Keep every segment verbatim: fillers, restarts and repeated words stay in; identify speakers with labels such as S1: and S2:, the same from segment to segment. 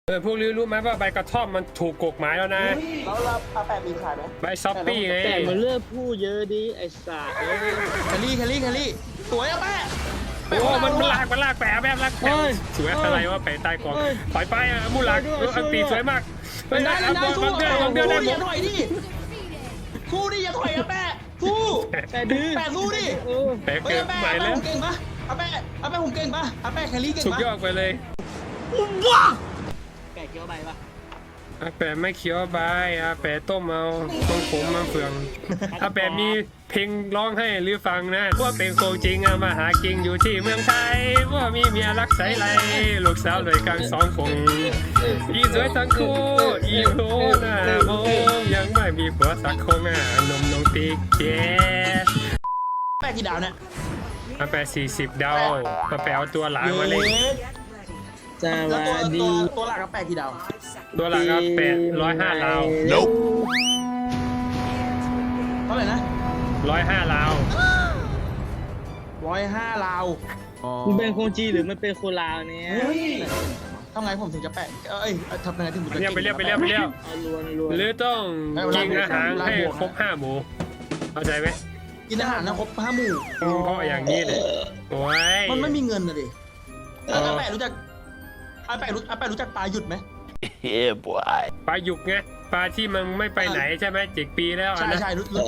S1: เออพวกรู้รู้ไหมว่าใบกระท่อมมันถูกกฎหมายแล้วนะ
S2: แล้วเราอาแปะมีขายไหม
S1: ใบซอปปี้ไง
S3: แต่มันเลือกพูดเยอะดิไอ้สัตว์เอ้ย
S2: แคลรี่แคลรี่แคลรี่สวยอะแปะ
S1: โอ้มันมันลากมันลากแปะแบบลากแปะสวยอะไรว่าแปะใต้กองถอยไปอ่ะมูหลักอันตีสวยมาก
S2: เล่นได้เล่นได้สู้
S1: บางเดือนบางเดือนได้หม
S2: อย่า
S1: ด
S2: ถอยดิสู้ดิอย่าถอยอะแปะสู้
S3: แต่ดื้อ
S2: แปะสู้ดิ
S3: เออ
S1: แปะ
S2: เฮ้ย
S1: เกิน
S2: อาแปะ
S1: ไป
S2: อาแปะ
S1: แล้ว
S2: ผมเก่งปะอาแปะอาแปะผมเก่งปะอาแปะแคลรี่เก่ง
S1: สุด
S2: ปะ
S1: ยอดไปเลย
S3: แกะเคี้ยวใบปะ
S1: อาแปะไม่เคี้ยวใบอาแปะต้มเอาต้องผมมาเฟืองอาแปะมีเพลงร้องให้หรือฟังนะว่าเป็นโคจริงอะมาหากิงอยู่ที่เมืองไทยว่ามีเมียรักใสไหลลูกสาวเลยกลางสองคงอีสวยทั้งคู่อีโหน่ามองยังไม่มีผัวสักคงอ่ะนมนงติ๊กเจ๊
S2: แปะกี่ดาวเนี่ย
S1: อาแปะสี่สิบดาวอาแปะเอาตัวหลังมาเลย
S3: ส
S2: แล้ว
S3: วั
S2: ตัว
S3: ส
S2: ตั
S3: ดี
S2: วตัวหลักอาแปะกี่ดาว
S1: ตัวหลังอาแปะร้อยห้าดาว
S2: เท่าไหร่นะ
S1: ร้อยห้าดาว
S2: ร้อยห้าลาว
S3: มันเป็นคนจีนหรือมันเป็นคนลาวเนี่ย
S2: เฮ้ยทำไงผมถึงจะแปะเอ้ยทำยังไงถึงผมจะ
S1: เรียกไปเรียกไปเรียกไปเรียก
S3: เอาลวนลวน
S1: หรือต้องกินอาหารให้ครบห้าหมู่เข้าใจไหม
S2: กินอาหารนะครบห้าหมู่
S1: เพราะอย่างนี้เลยโอ้ย
S2: มันไม่มีเงินนะดิแล้วอาแปะรู้จักอาแปะรู้อาแปะรู้จักปลาหยุดไหม
S1: ปลาหยุกไงปลาที่มันไม่ไปไหนใช่ไหมเจ็ดปีแล้วอัน
S2: ใช่
S1: นะ
S2: ใช่รู้รู้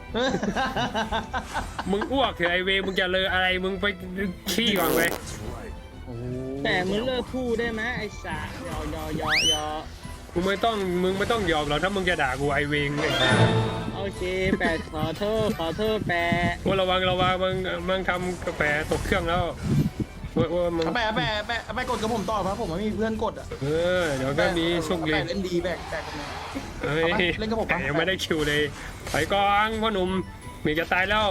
S1: มึงอ้วกเถอะไอเวมึงจะเลออะไรมึงไปขี้ก่อนไป
S3: แต่มันเลิกพูดได้ไหมไอ้สัตว์ยอยอยอยอ
S1: มึงไม่ต้องมึงไม่ต้องยอมหรอกถ้ามึงจะด่ากูไอเวงไอ้
S3: โอเคแปดขอโทษขอโทษแปด
S1: ว่าระวังระวังมึงมึงทำกาแฟตกเครื่องแล้วว่าว่ามึง
S2: อาแปะอาแปะอาแปะอาแปะกดกับผมต่อเพราะผมไม่มีเพื่อนกดอ่ะ
S1: เออเดี๋ยวก็มีโชคดี
S2: อาแปะเล่นดีแบกแบกกันมา
S1: เฮ้ย
S2: เอาปะเล่นกับผมปะ
S1: ยังไม่ได้คิวเลยไปก่อนพ่อหนุ่มมีจะตายแล้ว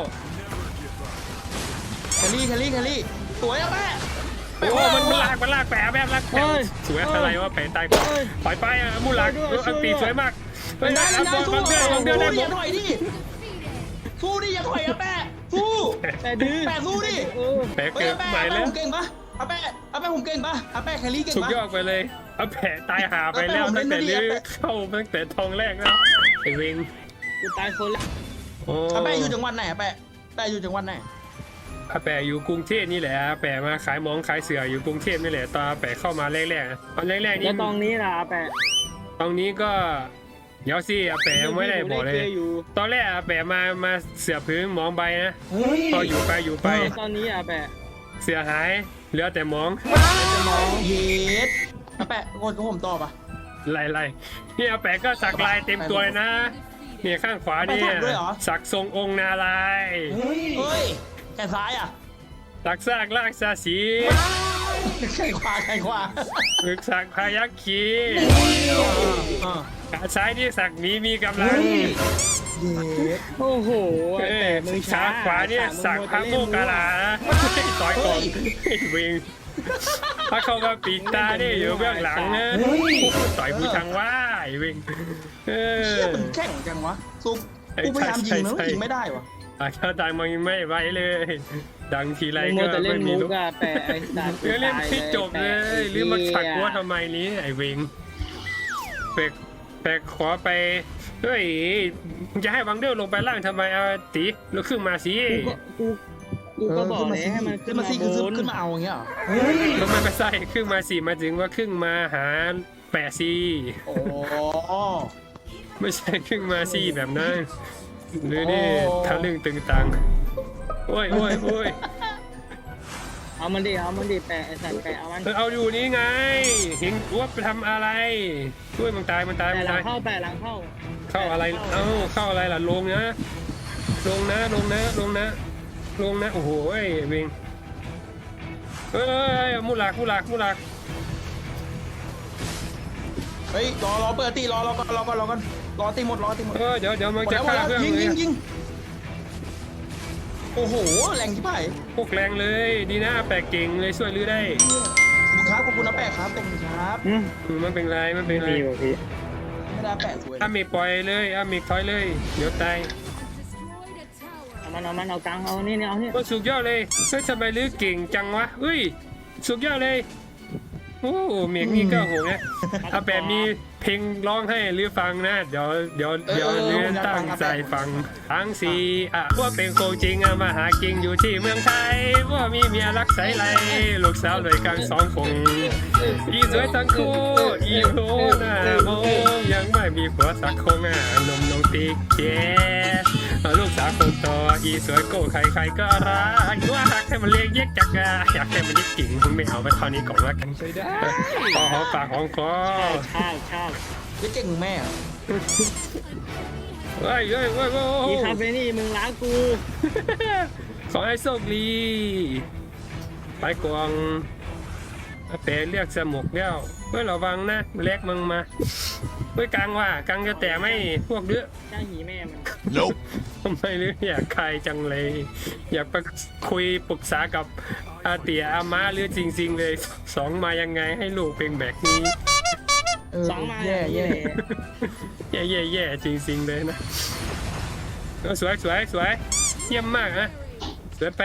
S2: แคลรี่แคลรี่แคลรี่สวยอาแปะ
S1: โอ้มันมันลากมันลากแปะแบบลากแปะสวยอะไรว่าแปะตายก่อนถอยไปอ่ะมูหลักอันตีสวยมาก
S2: เล่นได้เล่นได้สู้
S1: บางเดือนบางเดือนได้
S2: สู้
S1: หม
S2: ดิอ
S1: ด
S2: ย่าถอยดิสู้ดิอย่าถอยอาแปะสู้
S3: แต่ดื้อ
S2: แปะสู้ดิ
S3: เออ
S1: แปะ
S2: เฮ้ย
S1: เกิด
S2: อาแปะ
S1: ใหม่
S2: อาแปะ
S1: แล้
S2: ผ
S1: ว
S2: มเก่งปะอาแปะอาแปะผมเก่งปะอาแปะแคลรี่เก่ง
S1: สุด
S2: ปะ
S1: ยอดไปเลยเอาแปะตายหาไปแล้วตั้งแต่ลื้อเข้าตั้งแต่ทองแรกแล้วไอ้เวง
S3: กูตายคนละ
S1: โอ้
S2: อาแปะอยู่จังหวัดไหนอาแปะอาแปะอยู่จังหวัดไหน
S1: อาแปะอยู่กรุงเทพนี่แหละอาแปะมาขายหมองขายเสืออยู่กรุงเทพนี่แหละตอนอาแปะเข้ามาแรกๆนะตอนแรกๆ
S3: แล้
S1: นี่
S3: วตรงนี้ล่ะแปด
S1: ตรงนี้ก็เดี๋ยวสิอาแปะยังไม่ได้บอกเลย
S3: อยู่
S1: ตอนแรกอาแปะมามาเสือพื้นหมองใบนะ
S2: เฮ้ย
S1: พออยู่ไปอยู่ไป
S3: ตอนนี้อ่ะแปด
S1: เสือหายเหลือแต่หมอง
S2: จะมองเย็ดอาแปะกดกับผมต่อปะ
S1: ไล่ๆนี่อาแปะก็สักลายเต็มตัวเลยนะเนี่ยข้างขวานี่
S2: ไปสักด้วยเหรอ
S1: สักทรงองค์นาลายณ์
S2: เฮ้ยแขนซ้ายอ่ะ
S1: สักซากลากซาสี
S2: แขนขวาแขนขวา
S1: มึกสักพายักขี
S2: อ่า
S1: ขาซ้ายนี่สักหมีมีกำลัง
S2: เย็ด
S3: โอ้โห
S1: เอ้
S3: แต่
S1: ย
S3: มึง
S1: ขา
S3: ช้า
S1: ขวาเนี่ยสักพระโมกขลาต่อยก่อนไอ้เวงถ้าเข้ามาปีกตาเนี่ยอยู่เบื้องหลังนะต่อยผู้ทางว่าไอ้เวงเออ
S2: เชี่ยมันแข่งจังวะซุปกูพยายามยิงมันก็ยิงไม่ได้วะ
S1: อาชาดังมันไม่ไหวเลย ดังทีไร
S3: มึง
S1: ก็
S3: จะเล่
S1: ไม่
S3: น
S1: มี
S3: มุ
S1: ลู
S3: ก
S1: ก
S3: อะแปะไอ้สัตว์
S1: เออเล่นที่จบเลยหรือมาขัดกัวทำไมนี้ไอ้เวงแปลกแปลกขอไปเฮ้ยมึงจะให้วังเดอร์ลงไปล่างทำไมเอาตีแล้วขึ้นมาสิ
S3: กูกูก็บอกเลยให้มัน
S2: ขึ้
S3: ขึ้
S2: น
S3: น
S2: มา
S3: มา
S2: สิ
S3: บ
S2: ขึ้น
S3: น
S2: ขึ้นมาเอาอย่างเงี้ยเหรอ
S1: แล้วมันไม่ใช่ขึ้นมาสิมาถึงว่าขึ้นมาหาแปะซี
S2: โอ้
S1: ไม่ใช่ขึ้นมาสิแบบนั้นหรือนี่ทะลึ่งตึงตังโอ้ยโอ้ยโอ้ย
S3: เอามันดิเอามันดิแปะไอ้สัตว์แปะเอามัน
S1: เออเอาอยู่นี่ไงเห็นว่าไปทำอะไรช่วยมันตายมันตาย
S3: แปะ
S1: มัน
S3: หลั
S1: ตาง ย
S3: เข้าแปะหลังเข้า
S1: เข้าอะไรเอ้าเข้าอะไรล่ะลงนะลงนะลงนะลงนะลงนะโอ้โหเอ้ยเวงเอ้ยมูหลักมูหลักมูหลัก
S2: เฮ้ยรอรอเปิดตีรอรอก่อนรอก่อนรอก่อนรอตีหมดรอตีหมด
S1: เออเดี๋ยวเดี๋ยวมัน
S2: หมด
S1: จะ
S2: แล้วหมด
S1: ฆ่า
S2: แล้ว
S1: เพื่อน
S2: ยิง
S1: เล
S2: ยิ
S1: ย
S2: งยิงโอ้โหแรงที่ไป
S1: พวกแรงเลยดีนะแปลกเก่งเลยช่วยลื้อได้
S2: ขอบคุณครับขอบคุณนะแปะครับขอบคุณครับ
S3: อืม
S1: อืมมันเป็นไรมันเป็นไร
S3: มีว่ะพี่
S2: ไม่ได้แปะสวย
S1: อามีปล่อยเลยอามีถอยเลยเดี๋ยวตาย
S3: เอามันเอามันเอากลางเอานี่เนี่ยเอานี่
S1: ก็สุดยอดเลยเฮ้ยทำไมลื้อเก่งจังวะเฮ้ยสุดยอดเลยโอ้เมียงนี่ก็โหเนี่ยอาแปะมีเพลงร้องให้หรือฟังนะเดี๋ยวเดี๋ยวเดี๋ยวเรียนตั้งใจฟังทั้งสี่อ่ะว่าเป็นโคจริงอ่ะมาหากิงอยู่ที่เมืองไทยว่ามีเมียรักใสไหลลูกสาวเลยกลางสองคงอีสวยทั้งคู่อีโหน้ามองยังไม่มีผัวสักคงอ่ะนมนงติ๊กเจ๊ลูกสาวคนโตอีสวยโก้ใครใครก็รักว่าหักให้มันเลี้ยงเย็กจักอ่ะอยากให้มันเย็กกิ่งไม่เอาไปเท่านี้ก่อนละกันใช่ได้พอหอมปากหอมคอ
S3: ชอบชอบ
S2: เจ๊เก่งมึงแม่อะ
S1: เฮ้ยเฮ้ยเฮ้ยโอ้
S3: อีคาเฟนี่มึงล้างกู
S1: ขอให้โชคดีไปกวางอาเป๋เรียกสมุกแล้วเฮ้ยระวังนะเล็กมึงมาเฮ้ยกังว่ะกังจะแต่ไม่พวกเดื้อ
S3: จ้างหีแม่มัน
S1: ทำไมหรืออยากใครจังเลย อยากไปคุยปรึกษากับอาเตียอาม่าหรือจริง ๆ เลยสองมายังไงให้ลูกเป็นแบบนี้
S2: เออ
S3: สองมา
S2: แย่แย่
S1: แย่แย่แย่จริง ๆ เลยนะเออสวยสวยสวยเยี่ยมมากนะสวยไป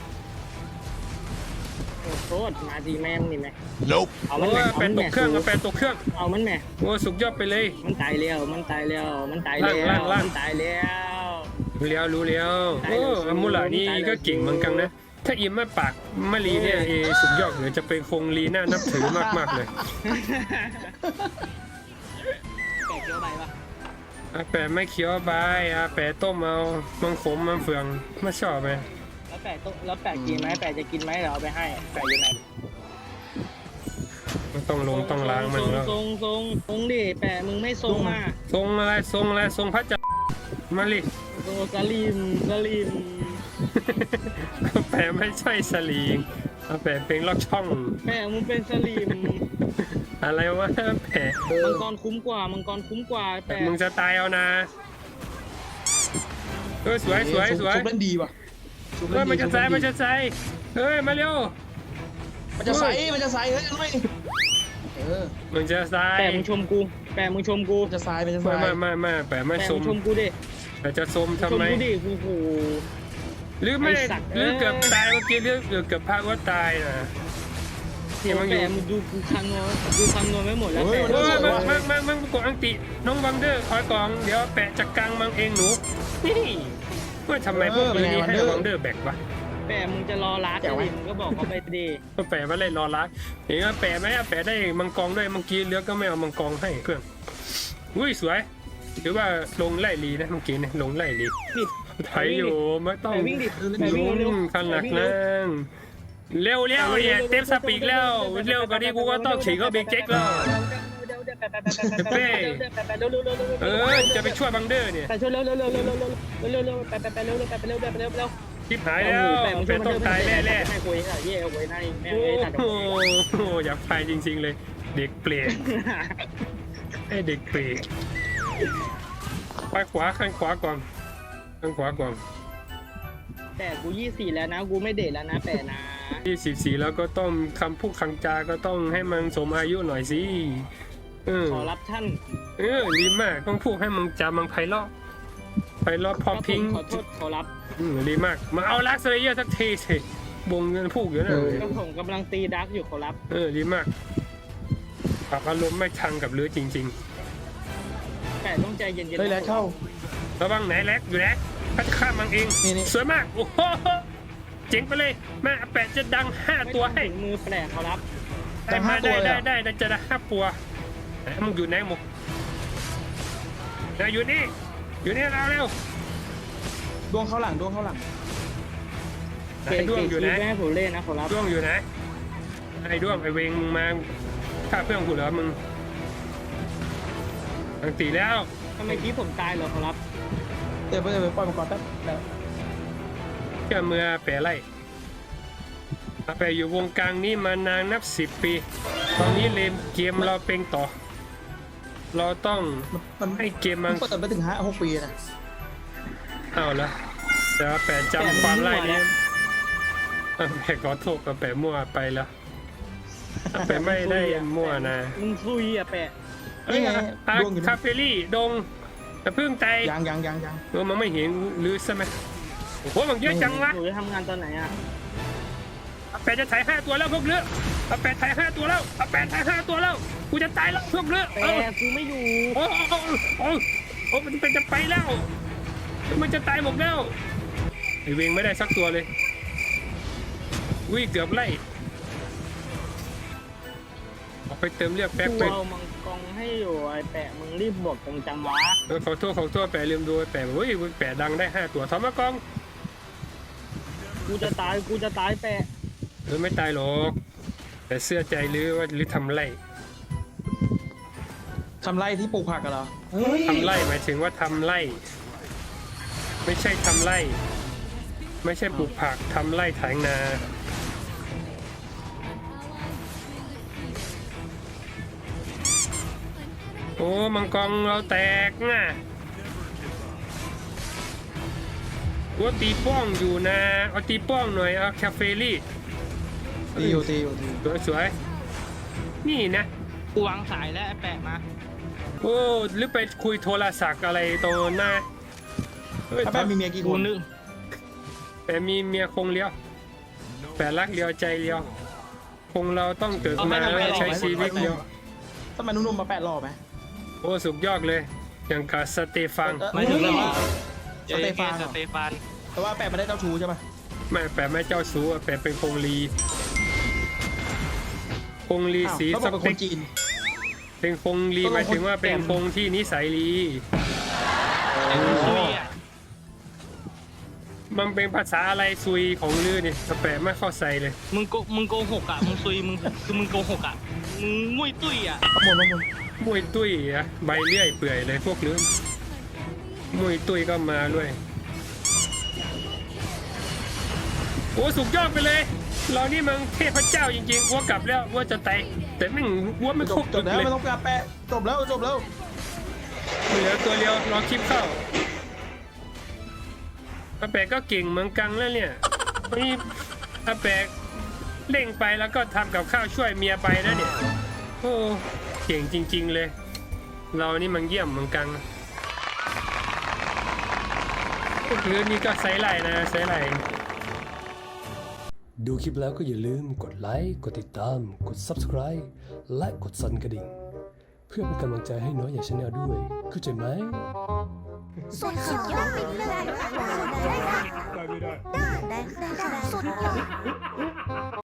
S3: โอ้โทษมาดีแม่งนี่ไหม
S4: Nope.
S3: เอา
S1: โอ้
S3: มันแหม่
S1: ยแปดตกเครื่องเอาแปดตกเครื่อง
S3: เอามันแหม่
S1: โอ้สุดยอดไปเลย
S3: มันตายแล้วมันตายแล้วมันตายแล้ว
S1: ล่างล่าง
S3: มันตายแล้ว
S1: รู้แล้วรู้แล้วโอ้อามุลานี่ก็เก่งเหมือนกันนะ ถ้าอิมไม่ปากมะลีเนี่ยเอสุดยอดเลยจะเป็นคงลีน่านับถือมากๆเลย
S3: แกเคี้ยวใบปะ
S1: อาแปะไม่เคี้ยวใบอาแปะต้มเอามังขมมังเฟืองไม่ชอบไหม
S3: แล้วแปะต้องแล้วแปะกินไหมแปะจะกินไหมเดี๋ยวเอาไปให้แปะอยู่ไหน
S1: มันต้องลงต้องล้างมันแล้ว
S3: ทรงทรงทรงดิแปะมึงไม่ทรงมา
S1: ทรงอะไรทรงอะไรทรงพระจันทร์มาลิ
S3: ทรงสลิมสลิม
S1: อาแปะไม่ใช่สลีงอาแปะเป็นลอกช่อง
S3: แปะมึงเป็นสลิม
S1: อะไรวะแปะ
S3: มังกรคุ้มกว่ามังกรคุ้มกว่าแปะ
S1: มึงจะตายเอานะเออสวยสวยสวย
S2: ชุบเล่นดีว่ะชุบ
S1: เฮ้
S2: เล่
S1: ย
S2: นดี
S1: มันจะใส่มันจะใส่เฮ้ยมาเร็ว
S2: มันจะใส่มันจะใส่เฮ้ยทำไมเออ
S1: มันจะใส่
S3: แปะมึงชมกูแปะมึงชมกู
S2: มันจะใส่มันจะใส่
S1: ไม่ไม่ไม่ไม่แปะไม่
S3: แปะ
S1: ส
S3: มึ
S1: ม
S3: งชมกูดิ
S1: แต่จะสม
S3: ช
S1: ทำ
S3: ม
S1: ไม
S3: กูดิกูโห
S1: หรือไม่ได้
S3: ไอ้สัตว์
S1: หรือเกือบ
S3: เอ้ย
S1: ตายเมื่อกี้หรือหรือเกือบพาว่าตายนะ
S3: เดี๋ยวแปะมึงดูกูคำนวณกูคำนวณไม่หมดแล้วแปะ
S1: โอ้ยมังมังมังมังกดอังติน้องบังเดอร์คอยกองเดี๋ยวแปะจักกลางมังเองหนูนี่ว่าทำไมพวกนี้ให้บังเดอร์แบกวะ
S3: แปะมึงจะรอรัดดิมึงก็บอกเขาไปดิ
S1: ก็แปะมาเลยรอรักเห็นว่าแปะไหมแปะได้มังกรด้วยเมื่อกี้เลือกก็ไม่เอามังกรให้เพื่อนอุ้ยสวยหรือว่าลงไล่ลีนะเมื่อกี้เนี่ยลงไล่ลี
S3: ปิด
S1: ไถอยู่ไม่ต้อง
S3: แปะวิ่งดิแปะวิ่งเร็ว
S1: ขนาดนั้นเร็วเร็วเนี่ยเต็มสปีกแล้วเร็วกว่านี้กูก็ต้องฉีกเข้าบิ๊กเจ๊กแล้วเออจะไปช่วยบังเดอร์เนี่ย
S3: แปะช่วยเร็วเร็วเร็วเร็วเร็วเร็วเร็วเร็วแปะแปะแปะเร็วเร็วแปะแปะเร็วแปะเร็วเร็ว
S1: ชิบหายแล้วเป็นต้องตายแน่แน่
S3: ไม่คุยค่ะเย่เอาไว้ในแม่
S1: โอ้
S3: ไอ้ตัด
S1: โหอยากพายจริงๆเลย เด็กเปลี่ยนไอเด็กเปลี่ยนไปขวาข้างขวาก่อนข้างขวาก่อน
S3: แต่กูยี่สี่แล้วนะกูไม่เด็ดแล้วนะแปะนะ
S1: ที่สิบสี่แล้วก็ต้องคำพูดคำจาก็ต้องให้มันสมอายุหน่อยสิเออ
S3: ขอรับท่าน
S1: เออดีมากต้องพูดให้มันจามันไพเราะไพเราะพอพิง
S3: ขอโทษขอรับ
S1: อืมดีมากมาเอาลักซ์เลเยอร์สักทีสิบงเงินพูกอยู่นะ
S3: ก็ผมกำลังตีดักอยู่ขอรับ
S1: เออดีมากปรับอารมณ์ไม่ทังกับเรือจริง
S3: แต่ต้องใจเย็นๆ
S2: เฮ้ยแล้วเข้า
S1: ๆระวังไหนแลกอยู่แลกพัดข้ามมังเอง
S2: นี่นี่
S1: สวยมากโอ้โหเจ๋งไปเลยแม่แปะจะดังห้าตัวให้
S3: ถึงมือแปลกขอรับ
S1: ได้มาได้ได้ได้ได้จะได้ห้าตัวไหนมึงอยู่ไหนมึงไหนอยู่นี่อยู่นี่เราเร็ว
S2: ดวงเข้าหลังดวงเข้าหลัง
S1: ไหนด้วงอยู่ไหน
S3: แม่ผมเล่นนะขอรับ
S1: ด้วงอยู่ไหนไอ้ด้วงไอ้เวงมึงมาฆ่าเพื่อนกูเหรอมึงอังตีแล้ว
S3: ทำไมกี้ผมตายเหรอขอรับ
S2: เดี๋ยวไปเดี๋ยวไปปล่อยมังกรแป๊บแล้ว
S1: เชื่อเมื่อแปะไล่แปะอยู่วงการนี้มานานนับสิบปี ตอนนี้เลมเกมเราเป็นต่อ เราต้อง
S2: มัน
S1: ให้เกม
S2: มั
S1: มัน น
S2: เปิดไปถึงห้าหกปีนะ
S1: เอาละแต่ว่าแปะจำความไล่นี้อ่ะแปะขอโทษกับแปะมั่วไปแล้วแปะไม่ได้มั่วนะ
S3: มึงซุยอ่ะแปะ
S1: เอ้ยอ่ะคาเฟลี่ดงแต่พึ่งไต
S2: ยังยังยังยัง
S1: เออมันไม่เห็นหรือใช่ไหมโอ้โหมันเยอะจังวะ
S3: หนูจะทำงานตอนไหนอ่ะ
S1: แปะจะถ่ายห้าตัวแล้วพวกเลืออาแปดถ่ายห้าตัวแล้วอาแปดถ่ายห้าตัวแล้วกูจะตายแล้วพวกเนื้อ
S3: แต่กูไม่อยู่
S1: โอ้โอ้โอ้โอ้มันเป็นจะไปแล้วมันจะตายหมดแล้วไอเวงไม่ได้สักตัวเลยวิ่งเกือบไล่ออกไปเติมเรียกแป๊ก
S3: กู
S1: ไป
S3: เอามังกรให้อยู่ไอ้แปะมึงรีบบอกตรงจังวะ
S1: เออขอโทษขอโทษแปะลืมดูแปะเฮ้ยแปะดังได้ห้าตัวทอมมากอง
S3: กูจะตายกูจะตายแปะ
S1: เออไม่ตายหรอกแต่เสื้อใจหรือว่าหรือทำไร
S2: ทำไรที่ปลูกผักกันเหรอเฮ้ย
S1: ทำไรหมายถึงว่าทำไรไม่ใช่ทำไรไม่ใช่ปลูกผักทำไรไถนาโอ้มังกรเราแตกง่ะว่าตีป้องอยู่นะเอาตีป้องหน่อยเอาแคฟเฟลี่
S2: ตีอยู่ตีอยู่ตีอยู่
S1: สวยสวยๆนี่นะ
S3: กูวางสายแล้วไอ้แปะมา
S1: โอ้หรือไปคุยโทรศัพท์อะไรตรงหน้าเฮ้ย
S2: ถ้าแป๊บมีเมียกี่ค
S3: กู
S2: น
S3: นึก
S1: แต่มีเมียคงเลี้ยวแต่รักเลี้ยวใจเลี้ยวคงเราต้องเกิดมาแล้วใช้ชีวิตเลี้ยว
S2: ทำไมนุ่มๆมาแปะรอไหม
S1: โอ้สุดยอดเลยอย่างกับสเตฟัน
S2: ไม่ถึงเลยว่าสเตฟาน
S3: ส
S2: เหรอ
S3: เตฟาน
S2: แต่ว่าแปะไม่ได้เจ้าชู้ใช่ปะ
S1: ไม่แปะไม่เจ้าชู้แปะเป็นคงลีคงลี
S2: อ้าว
S1: สี
S2: เขา
S1: ส
S2: บอกเป็นค
S1: เป
S2: น
S1: ก
S2: จีน
S1: เป็นคงลีหมายถึงว่าเป็นคงที่นิสัยลี
S3: ไอ้กูซุยอ่ะ
S1: มันเป็นภาษาอะไรซุยของลือนี่แปะไม่เข้าใจเลย
S3: มึงโกมึงโกหกอ่ะมึงซุยมึงคือมึงโกหกอ่ะมึงงุ้ยตุ้ยอ่ะ
S2: ขโมยขโมย
S1: มวยตุ้ยอะใบเลื่อยเปื่อยเลยพวกลือมวยตุ้ยก็มาด้วยโอ้สุดยอดไปเลยเรานี่มันเทพเจ้าจริงๆวัวกลับแล้ววัวจะตายแต่แม่งวัวไม่
S2: จ
S1: คร
S2: บบ จ
S1: จุ
S2: บ
S1: ด
S2: แล้ว
S1: เลย
S2: ไม่ต้องการแปะจบแล้วจบแล้ว
S1: เหลือตัวเดียวรอคลิปเข้าอาแปะก็เก่งเหมือนกันแล้วเนี่ยนี่อาแปะเร่งไปแล้วก็ทำกับข้าวช่วยเมียไปนะเนี่ยโอ้เก่งจริง ๆเลย เรานี่มันเยี่ยมเหมือนกันพวกลือนี่ก็ไซส์ไหลนะไซส์ไหล
S4: ดูคลิปแล้วก็อย่าลืมกดไลค์ กดติดตาม กด Subscribe และกดสั่นกระดิ่ง เพื่อเป็นกำลังใจให้น้อยอย่างชาแนลด้วย เข้าใจไหม
S5: สุดยอดไปเลยได้ค่ะได้ค่ะได้ค่ะสุดยอด